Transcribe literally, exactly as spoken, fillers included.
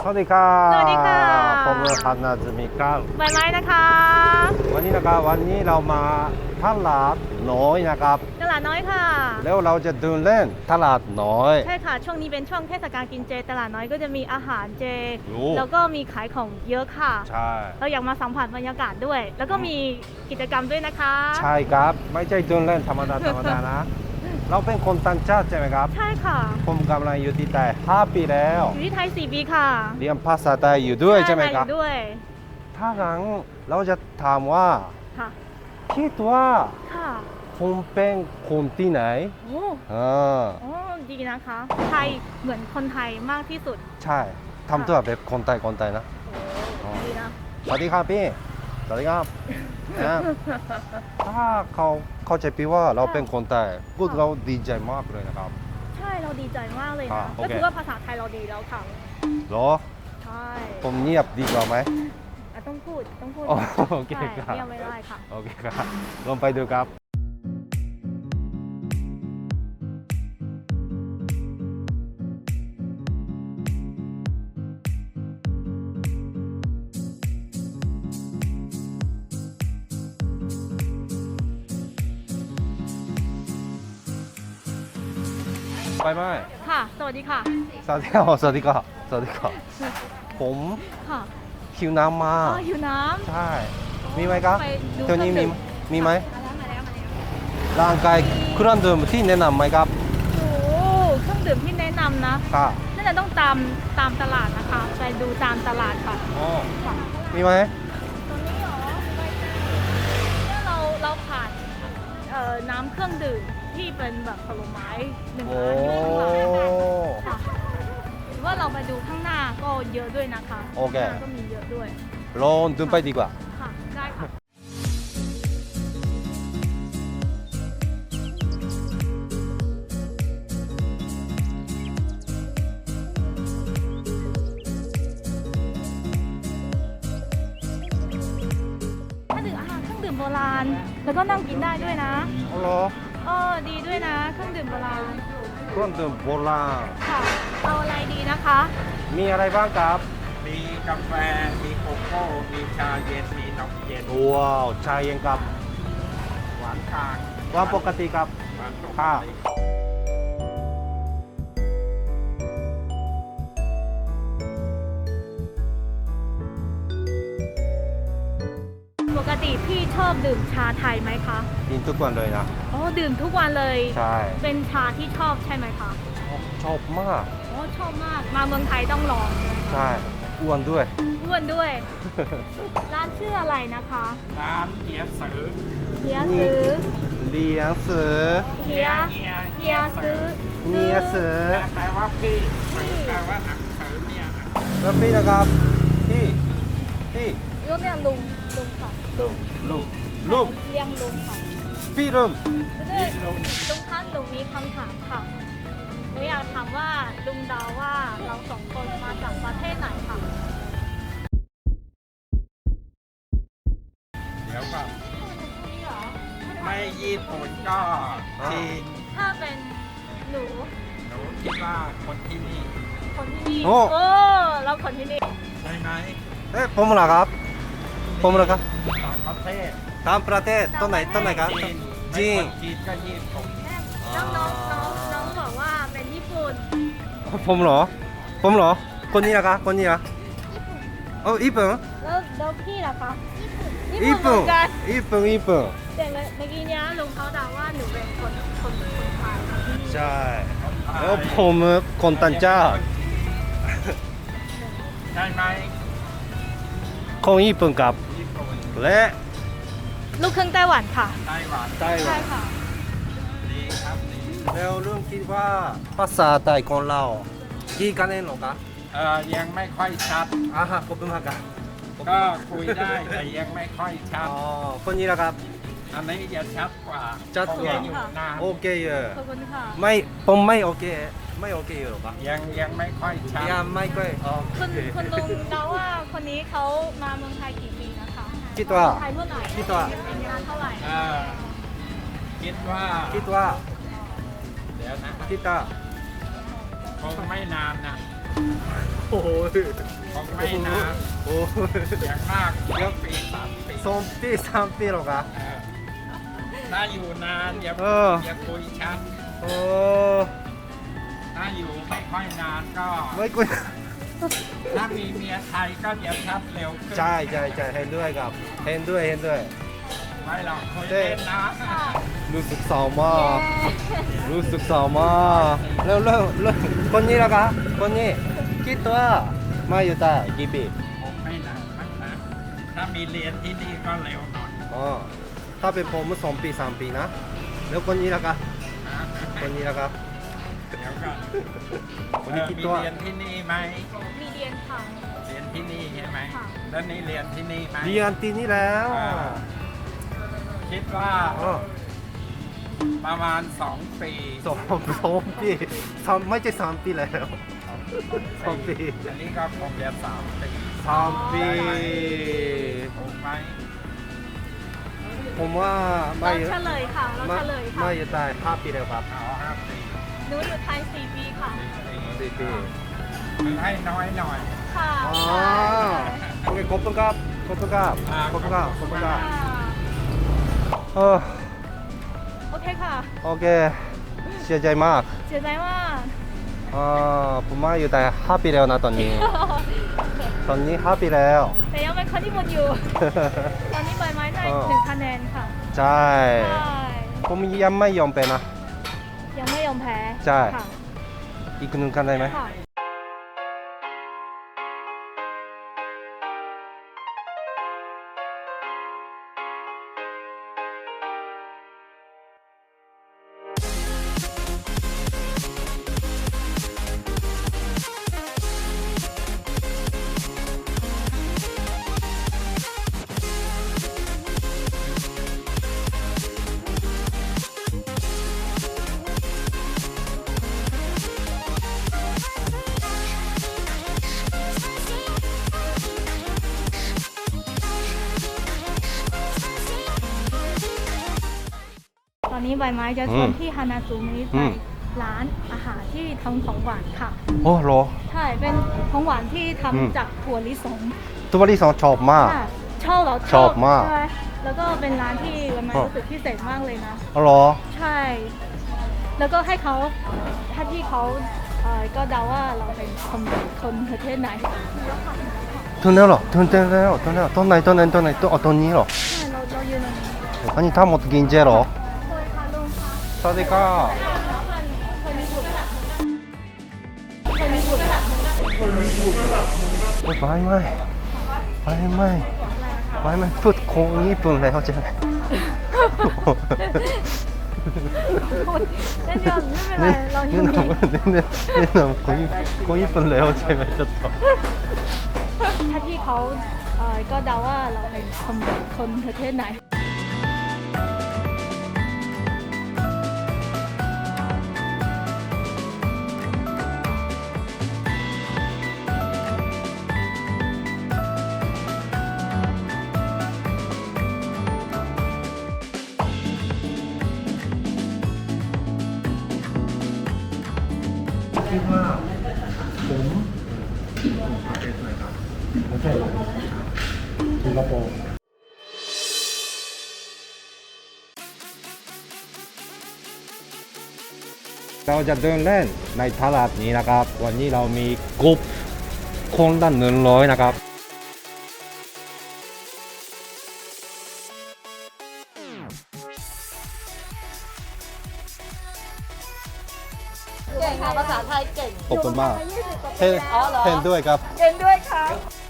สวัสดีครับสวัสดีค่ะผมฮันนาซึมิครับใบไม้นะคะวันนี้นะครับวันนี้เรามาตลาดน้อยนะครับตลาดน้อยค่ะแล้วเราจะเดินเล่นตลาดน้อยใช่ค่ะ ช่วงนี้เป็นช่วงเทศกาลกินเจ ตลาดน้อยก็จะมีอาหารเจโอ้แล้วก็มีขายของเยอะค่ะใช่เราอยากมาสัมผัสบรรยากาศด้วย แล้วก็มีกิจกรรมด้วยนะคะใช่ครับ ไม่ใช่เดินเล่นธรรมดาธรรมดานะ เราเป็นคนต่างชาติใช่ไหมครับใช่ค่ะผมกำลังอยู่ที่ไทยห้าปีแล้วอยู่ที่ไทยสี่ปีค่ะเรียนภาษาไทยอยู่ด้วยใช่ไหมครับอยู่ด้วยถ้างั้นเราจะถามว่าค่ะคิดว่าค่ะผมเป็นคนที่ไหนโอ้อ่าโอ้ดีนะคะ ไทยเหมือนคนไทยมากที่สุดใช่ทำตัวแบบคนไทยคนไทยนะโอ้ดีนะสวัสดีครับพี่ สวัสดีครับนะถ้าเขาเข้าใจพี่ว่าเราเป็นคนไทยพูดเราดีใจมากเลยนะครับใช่เราดีใจมากเลยอ่านะโอก็เคคือว่าภาษาไทยเราดีแล้วค่ะเหรอใช่ผมเงียบดีกว่าไหมอ่ะต้องพูดต้องพูดอ๋อโอเคใช่ครับเงียบไม่ได้ค่ะโอเคครับลองไปดูครับ ไปไหมค่ะ สวัสดีค่ะสวัสดีครับสวัสดีครับสวัสดีครับผมค่ะคิวน้ำมาอ๋อหิวน้ใช่ มีไหมครับไปดูเที่ยวนี้เครื่มีองดื่มมีไหมำมาแล้วมาแล้วมาแล้วร่างกายเครื่องดื่มที่แนะนำไหมครับโอ้โหเครื่องดื่มที่แนะนำนะค่ะน่าจะต้องตามตามตลาดนะคะ ไปดูตามตลาดค่ะอ๋อค่ะมีไหมตรงนี้เหรอเนี่ยเราเราผ่านเอ่อน้ำเครื่องดื่มที่เป็นแบบผลไม้หนึ่งโอ้ร้านอยู่ข้างหลังค่ะหรือว่าเราไปดูข้างหน้าก็เยอะด้วยนะคะโอเคข้างหน้าก็มีเยอะด้วยลองเดินไปดีกว่าค่ะ ได้ค่ะ ถ้าดื่มอาหารเครื่องดื่มโบราณ แล้วก็นั่งกินได้ด้วยนะอ๋อเหรอเออดีด้วยนะ เครื่องดื่มโบราณเครื่องดื่มโบราณค่ะ เอาอะไรดีนะคะมีอะไรบ้างครับมีกาแฟ มีโกโก้ มีชาเย็น มีนมเย็นว้าวชาเย็นกับหวานกลางวางปกติครับหวานปกค่ะติปกติพี่ชอบดื่มชาไทยไหมคะกินทุกวันเลยนะอ๋อ ดื่มทุกวันเลยใช่เป็นชาที่ชอบใช่ไหมคะชอบชอบมากอ๋อ ชอบมาก มาเมืองไทยต้องลองเลยใช่อ้วนด้วยอ้วนด้วย ร้านชื่ออะไรนะคะร้านเกี๊ยวสือเฮียซื้อเลี้ยงเสือเฮียเฮียเฮียซื้อเนียเสือแปลว่าพี่สือแปลว่าหนังสือเนี่ยแล้วพี่นะครับพี่พี่ลูกเนี่ยลุงลุงค่ะลุงลุงลุงเรียงลุงค่ะพี่ลุงด้วยลุงท่านลุงมีคำถามค่ะหนูอยากถามว่าลุงเดาว่าเราสองคนมาจากประเทศไหนค่ะเดี๋ยวก็นี่เหรอไม่ญี่ปุ่นก็จีนถ้าเป็นหนูหนูคิดว่าคนที่นี่คนที่นี่โอ้โอ้เราคนที่นี่ใช่ไหมเอ๊ะผมเหรอครับ ผมเหรอครับต่างประเทศตามประเทศต้นไหนต้นไหนครับจีนจีนไม่คนจีนก็ญี่ปุ่นน้องน้องน้องน้องบอกว่าเป็นญี่ปุ่นผมเหรอ ผมเหรอ คนนี้นะครับคนนี้นะโอ้ญี่ปุ่นแล้วแล้วพี่ล่ะคะญี่ญี่ปุ่นเหมืปุ่นอนกันญี่ปุ่นญี่ปุ่นแต่เมื่อกี้เนี้ยลุงเขาเดาว่าหนูเป็นคนคนคนไทยค่ะที่นี่ใช่ แล้วผมคนต่างชาติใช่ไหมคนญี่ปุ่นกับญี่ปุ่นและลูกครึ่งไต้หวันค่ะไต้หวันไต้หวัใช่นค่ะดีครับดีแล้วลุงคิดว่าภาษาไทยของเราดีกันเองหรอครับเอ่อยังไม่ค่อยชัดอ่าฮะขอบคุณมากครับก็คุยได้แต่ยังไม่ค่อยชัอ๋ดอคนนี้นะครับอันนี้จะชัดกว่าชัดกว่าคงจะอยู่นานโอเคเยอะขอบคุณค่ะไม่ผมไม่โอเค ไม่โอเคอยู่หรอครับยังยังไม่ค่อยชัดยังไม่ค่อยโอคุณเคคุณลุงเดาว่าคนนี้เขามาเมืองไทยกี่ปีนะคะคิดว่าไทยเมื่อไหร่คิดว่าเป็นนานเท่าไหร่เอ่อคิดว่าคิดว่าเดี๋ยวนะคิดว่าคงไม่นานนะคโอ้ยคงไม่นานโอ้ยอย่างมากเดี๋ยวปีสามปีสองปีสามปีหรอครับเออถ้าอยู่นานอย่าเอออย่าคุยชัดโอ้ถ้าอยู่ไม่ค่อยนานก็ไม่กุยถ้ามีเมียไทยก็จะชัดเร็วขึ้นใช่ใช่ใช่เห็นด้วยครับเห็นด้วยเห็นด้วยไม่หรอกคุยเล่นนะรู้สึกเศร้ามากรู้สึกเศร้ามากเร็วเร็วเร็วคนนี้ละครับคนนี้กี่ตัวมาอยู่ใต้กี่ปีผมไม่นานมากนะถ้ามีเรียนที่นี่ก็เร็วหน่อยอ๋อถ้าเป็นผมสองปีสามปีนะแล้วคนนี้ละครับนะคนนี้ละครับเดี๋ยวก่อนคนเอนี้อกี่มีตัวเรียนที่นี่ไหมมีเรียนค่ะเรียนที่นี่ใช่ไหมค่ะแล้วนี่เรียนที่นี่ไหมเรียนที่นี่แล้วอ่า คิดว่าอ๋อประมาณสองปีสองสองปีสามไม่ใช่สามปีแล้วสองปีอันนี้ก็คงจะสามปีสามปีถูกไหมผมว่าไม่เราเฉลยค่ะ เราไม่เฉลยค่ะไม่อยู่ใต้ห้าปีแล้วครับเอาห้าปีหนูอยู่ไทยสี่ปีค่ะสี่ปีคือให้น้อยหน่อยค่ะอ๋อใช่โอเคขอบคุณครับขอบคุณครับอ่าขอบคุณครับขอบคุณครับค่ะเออโอเคค่ะโอเคเสียใจมากเสียใจมากอ่าผมมาอยู่แต่ห้าปีแล้วนะตอนนี้ ตอนนี้ห้าปีแล้วแต่ยังเป็นคนที่หมดอยู่ ตอนนี้ใบไม้ได้อ๋อหนึ่งคะแนนค่ะใช่ใช่ผมยังไม่ยอมไปนะยังไม่ยอมแพ้ใช่ค่ะอีกหนึ่งคะแนนไหมค่ะ ตอนนี้ใบไม้จะชวนที่ฮานาจูมิไปร้านอาหารที่ทำของหวานค่ะโอ้โหใช่ เป็นของหวานที่อืมทำจากถั่วลิสงตัวที่สองชอบมากค่ะชอบเหรอชอบมากใช่ไหมแล้วก็เป็นร้านที่ใบไม้อ๋อรู้สึกพิเศษมากเลยนะอ๋อเหรอใช่ แล้วก็ให้เขาถ้าที่เขาเอ่อก็เดาว่าเราเป็นคนคนประเทศไหนตรงนี้เหรอตรงนี้แล้วตรงนี้ตรงไหนตรงไหนตรงไหนตรงอ๋อตรงนี้เหรอใช่เราเรายืนตรงนี้อันนี้ทั้งหมดกินเจเหรอเคยค่ะลุงคะสวัสดีครับเคยมีบุตรเคยมีบุตรโอ้ยไม่ไม่ไม่ไม่ไม่ไม่พูดคงญี่ปุ่นแล้วใช่ไหมเล่นเดียวไม่เป็นไรเราอยู่นี่นี่นี่นี่นี่นำคนคนญี่ปุ่นแล้วใช่ไหมจะตอบถ้าที่เขาเอ่อก็เดาว่าเราเป็นคนคนประเทศไหนคิดว่าผมประเทศไหนครับประเทศอะไรสิงคโปร์เราจะเดินเล่นในตลาดนี้นะครับ วันนี้เรามีกรุ๊ปคนละหนึ่งร้อยนะครับเก่งค่ะภาษาไทยเก่งขอบคุณมากยี่สิบกว่าปีเห็นแล้วเห็นด้วยครับเก่งด้วยค่ะ